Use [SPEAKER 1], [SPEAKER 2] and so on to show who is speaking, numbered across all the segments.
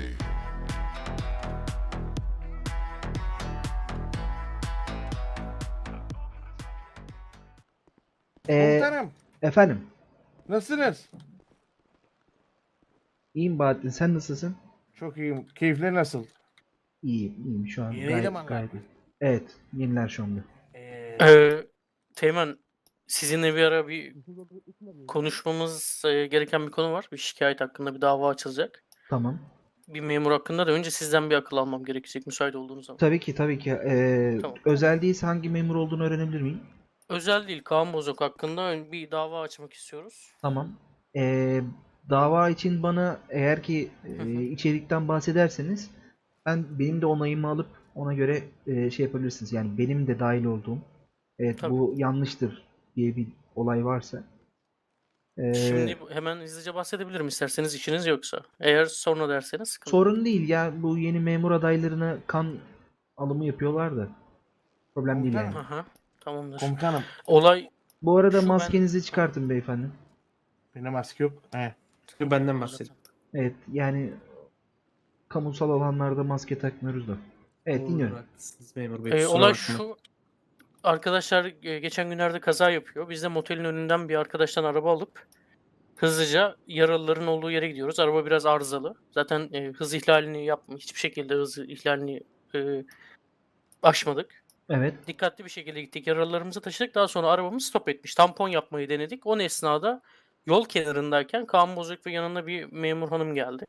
[SPEAKER 1] Ee,
[SPEAKER 2] Komutanım,
[SPEAKER 1] efendim.
[SPEAKER 2] nasılsınız?
[SPEAKER 1] İyiyim Bahattin. Sen nasılsın?
[SPEAKER 2] Çok iyiyim. Keyifler nasıl?
[SPEAKER 1] İyiyim şu an.
[SPEAKER 2] Yeni elemanlar
[SPEAKER 1] Gayet
[SPEAKER 2] mı?
[SPEAKER 1] iyi. Evet. Yeniler şu anda.
[SPEAKER 3] Teğmen, sizinle bir ara bir konuşmamız gereken bir konu var. Bir şikayet hakkında bir dava açılacak.
[SPEAKER 1] Tamam.
[SPEAKER 3] Bir memur hakkında da önce sizden bir akıl almam gerekecek müsait olduğunuz zaman.
[SPEAKER 1] Tabii ki tabii ki.
[SPEAKER 3] Tamam.
[SPEAKER 1] Özel değilse hangi memur olduğunu öğrenebilir miyim?
[SPEAKER 3] Özel değil, Kaan Bozok hakkında bir dava açmak istiyoruz.
[SPEAKER 1] Tamam. Dava için bana eğer ki
[SPEAKER 3] Hı hı.
[SPEAKER 1] içerikten bahsederseniz benim de onayımı alıp ona göre şey yapabilirsiniz. Yani benim de dahil olduğum, evet
[SPEAKER 3] Tabii.
[SPEAKER 1] bu yanlıştır diye bir olay varsa.
[SPEAKER 3] Şimdi hemen hızlıca bahsedebilirim isterseniz, işiniz yoksa. Eğer sonra derseniz sıkıntı yok.
[SPEAKER 1] Sorun değil ya, bu yeni memur adaylarına kan alımı yapıyorlar da. Problem değil yani.
[SPEAKER 2] Komutanım.
[SPEAKER 3] Aha, tamamdır.
[SPEAKER 2] Komutanım,
[SPEAKER 3] Olay
[SPEAKER 1] Bu arada
[SPEAKER 3] şu,
[SPEAKER 1] maskenizi çıkartın beyefendi.
[SPEAKER 2] benim maske yok. He.
[SPEAKER 4] Benden bahsedin.
[SPEAKER 1] Evet yani kamusal alanlarda maske takmıyoruz da. Evet,
[SPEAKER 4] Doğrudur,
[SPEAKER 1] dinliyorum.
[SPEAKER 4] haklısınız memur bey. Kusura
[SPEAKER 3] olay
[SPEAKER 4] bakmayın.
[SPEAKER 3] şu. Arkadaşlar geçen günlerde kaza yapıyor. Biz de motelin önünden bir arkadaştan araba alıp hızlıca yaralıların olduğu yere gidiyoruz. Araba biraz arızalı. Zaten hız ihlalini hiçbir şekilde hız ihlalini aşmadık.
[SPEAKER 1] Evet.
[SPEAKER 3] Dikkatli bir şekilde gittik. Yaralılarımızı taşıdık. Daha sonra arabamız stop etmiş. Tampon yapmayı denedik. O esnada yol kenarındayken Kaan Bozok ve yanında bir memur hanım geldi.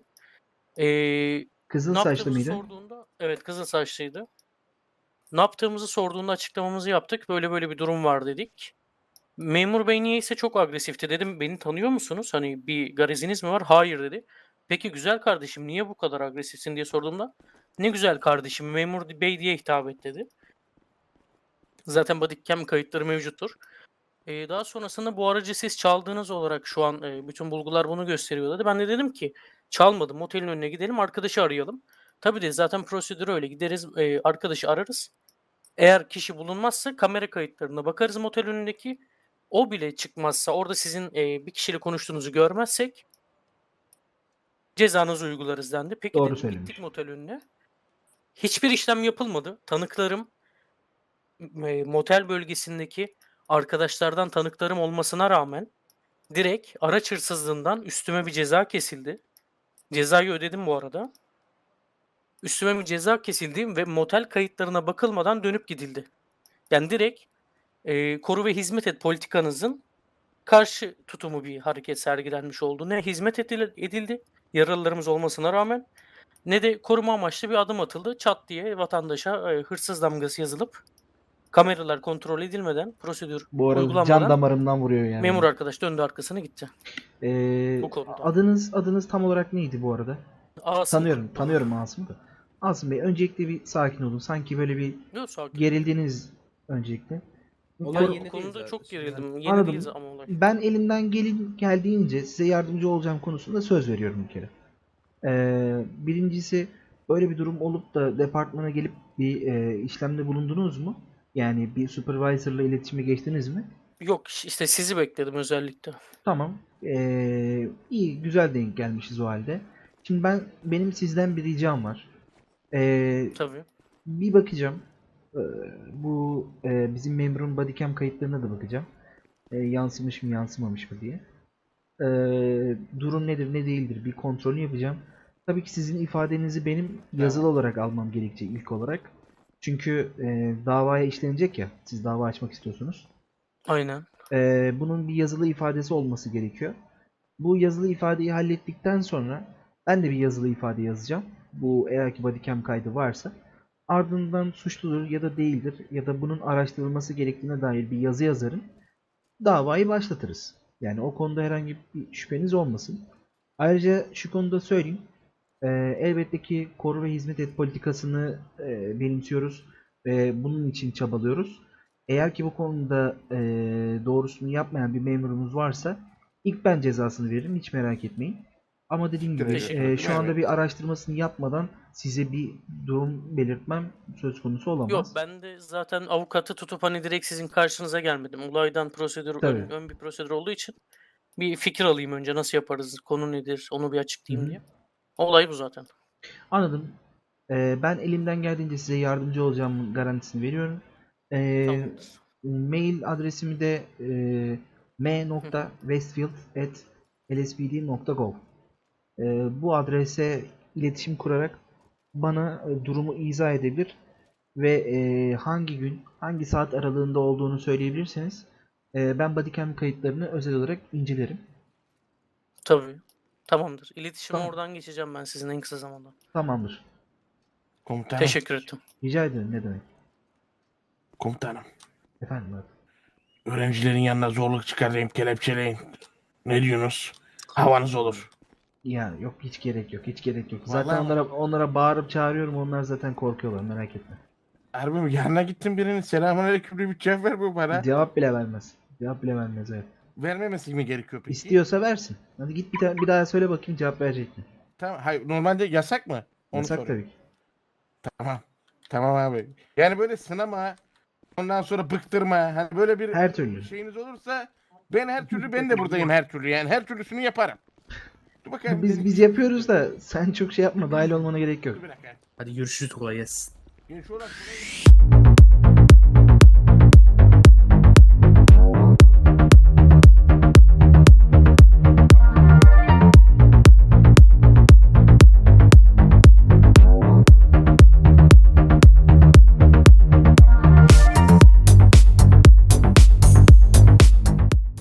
[SPEAKER 1] Kızıl
[SPEAKER 3] Ne
[SPEAKER 1] saçlı
[SPEAKER 3] yaptığımızı
[SPEAKER 1] mıydı?
[SPEAKER 3] sorduğunda, evet, kızıl saçlıydı. Ne yaptığımızı sorduğunda açıklamamızı yaptık. Böyle böyle bir durum var dedik. Memur bey niyeyse çok agresifti. Dedim, beni tanıyor musunuz? Hani bir gareziniz mi var? Hayır dedi. Peki güzel kardeşim niye bu kadar agresifsin diye sorduğumda ne güzel kardeşim memur bey diye hitap et dedi. Zaten bodycam kayıtları mevcuttur. Daha sonrasında bu aracı siz çaldığınız olarak şu an bütün bulgular bunu gösteriyor dedi. Ben de dedim ki çalmadım, otelin önüne gidelim arkadaşı arayalım. Tabii de zaten prosedür öyle, gideriz arkadaşı ararız. Eğer kişi bulunmazsa kamera kayıtlarına bakarız motel önündeki. O bile çıkmazsa orada sizin bir kişiyle konuştuğunuzu görmezsek cezanızı uygularız dendi. Peki
[SPEAKER 1] Doğru
[SPEAKER 3] dedim,
[SPEAKER 1] söylemiş.
[SPEAKER 3] gittik motel önüne. Hiçbir işlem yapılmadı. Tanıklarım motel bölgesindeki arkadaşlardan tanıklarım olmasına rağmen direkt araç hırsızlığından üstüme bir ceza kesildi. Cezayı ödedim bu arada. Üstüme bir ceza kesildi ve motel kayıtlarına bakılmadan dönüp gidildi. Yani direkt koru ve hizmet et politikanızın karşı tutumu bir hareket sergilenmiş oldu. Ne hizmet edildi yaralılarımız olmasına rağmen ne de koruma amaçlı bir adım atıldı. Çat diye vatandaşa hırsız damgası yazılıp kameralar kontrol edilmeden, prosedür
[SPEAKER 1] Bu arada can
[SPEAKER 3] uygulanmadan
[SPEAKER 1] damarımdan vuruyor yani.
[SPEAKER 3] memur arkadaş döndü arkasına gitti. Bu konuda.
[SPEAKER 1] Adınız tam olarak neydi bu arada?
[SPEAKER 3] Asım.
[SPEAKER 1] Tanıyorum Asım'ı da. Asım Bey, öncelikle bir sakin olun. Sanki böyle bir
[SPEAKER 3] Yok, sakin.
[SPEAKER 1] gerildiniz öncelikle.
[SPEAKER 4] Olay
[SPEAKER 1] Kor-
[SPEAKER 4] yeni
[SPEAKER 3] Bu konuda
[SPEAKER 4] değil
[SPEAKER 3] çok
[SPEAKER 4] zaten.
[SPEAKER 3] gerildim. Yeni
[SPEAKER 1] Anladım.
[SPEAKER 3] değil ama olay.
[SPEAKER 1] Ben elimden geldiğince size yardımcı olacağım konusunda söz veriyorum bir kere. Birincisi, böyle bir durum olup da departmana gelip bir işlemde bulundunuz mu? Yani bir supervisor'la iletişime geçtiniz mi?
[SPEAKER 3] Yok, işte sizi bekledim özellikle.
[SPEAKER 1] Tamam. İyi, güzel denk gelmişiz o halde. Şimdi benim sizden bir ricam var.
[SPEAKER 3] Tabii.
[SPEAKER 1] Bir bakacağım. Bu bizim memurun bodycam kayıtlarına da bakacağım. Yansımış mı yansımamış mı diye. Durum nedir ne değildir bir kontrolünü yapacağım. Tabii ki sizin ifadenizi benim yazılı olarak almam gerekecek ilk olarak. Çünkü davaya işlenecek ya. Siz dava açmak istiyorsunuz.
[SPEAKER 3] Aynen.
[SPEAKER 1] Bunun bir yazılı ifadesi olması gerekiyor. Bu yazılı ifadeyi hallettikten sonra ben de bir yazılı ifade yazacağım. Bu eğer ki bodycam kaydı varsa. Ardından suçludur ya da değildir ya da bunun araştırılması gerektiğine dair bir yazı yazarım. Davayı başlatırız. Yani o konuda herhangi bir şüpheniz olmasın. Ayrıca şu konuda söyleyeyim. Elbette ki koru ve hizmet et politikasını benimsiyoruz ve bunun için çabalıyoruz. Eğer ki bu konuda doğrusunu yapmayan bir memurumuz varsa ilk ben cezasını veririm, hiç merak etmeyin. Ama dediğim gibi
[SPEAKER 3] Teşekkür ederim.
[SPEAKER 1] şu anda bir araştırmasını yapmadan size bir durum belirtmem söz konusu olamaz.
[SPEAKER 3] Yok, ben de zaten avukatı tutup hani direkt sizin karşınıza gelmedim. Olaydan prosedür
[SPEAKER 1] Tabii.
[SPEAKER 3] ön bir prosedür olduğu için bir fikir alayım önce, nasıl yaparız, konu nedir onu bir açıklayayım
[SPEAKER 1] Hı hı.
[SPEAKER 3] diye. Olay bu zaten.
[SPEAKER 1] Anladım. Ben elimden geldiğince size yardımcı olacağım garantisini veriyorum.
[SPEAKER 3] Tamamdır.
[SPEAKER 1] Mail adresimi de m.westfield@lspd.gov. Bu adrese iletişim kurarak bana durumu izah edebilir ve hangi gün, hangi saat aralığında olduğunu söyleyebilirseniz ben bodycam kayıtlarını özel olarak incelerim.
[SPEAKER 3] Tabii. Tamamdır. İletişime
[SPEAKER 1] Tamam.
[SPEAKER 3] oradan geçeceğim ben sizin en kısa zamanda.
[SPEAKER 1] Tamamdır.
[SPEAKER 2] Komutanım.
[SPEAKER 3] Teşekkür ettim.
[SPEAKER 1] Rica ederim. Ne demek?
[SPEAKER 2] Komutanım.
[SPEAKER 1] Efendim abi.
[SPEAKER 2] Öğrencilerin yanına zorluk çıkarayım, kelepçeleyin. Ne diyorsunuz? Havanız olur.
[SPEAKER 1] Yani yok, hiç gerek yok. Hiç gerek yok.
[SPEAKER 2] Vallahi
[SPEAKER 1] Zaten
[SPEAKER 2] mi?
[SPEAKER 1] onlara bağırıp çağırıyorum. Onlar zaten korkuyorlar. Merak etme.
[SPEAKER 2] Harbi mi? Yanına gittim birinin selamünaleyküm diye bir cevap vermiyor bana.
[SPEAKER 1] Cevap bile vermez. Cevap bile vermez, evet.
[SPEAKER 2] Vermemesi mi gerekiyor peki?
[SPEAKER 1] İstiyorsa versin. Hadi git bir daha söyle bakayım, cevap verecek mi?
[SPEAKER 2] Tamam. Hayır, normalde yasak mı? Onu
[SPEAKER 1] Yasak
[SPEAKER 2] soruyorum.
[SPEAKER 1] tabii ki.
[SPEAKER 2] Tamam. Tamam abi. Yani böyle sınama, ondan sonra bıktırma. Hani böyle bir
[SPEAKER 1] Her türlü.
[SPEAKER 2] şeyiniz olursa ben de buradayım her türlü. Yani her türlüsünü yaparım. Dur bakalım.
[SPEAKER 1] Biz yapıyoruz da sen çok şey yapma. Dahil olmana gerek yok.
[SPEAKER 2] Bir dakika.
[SPEAKER 4] Hadi görüşürüz, kolay gelsin.
[SPEAKER 2] Yani şu an-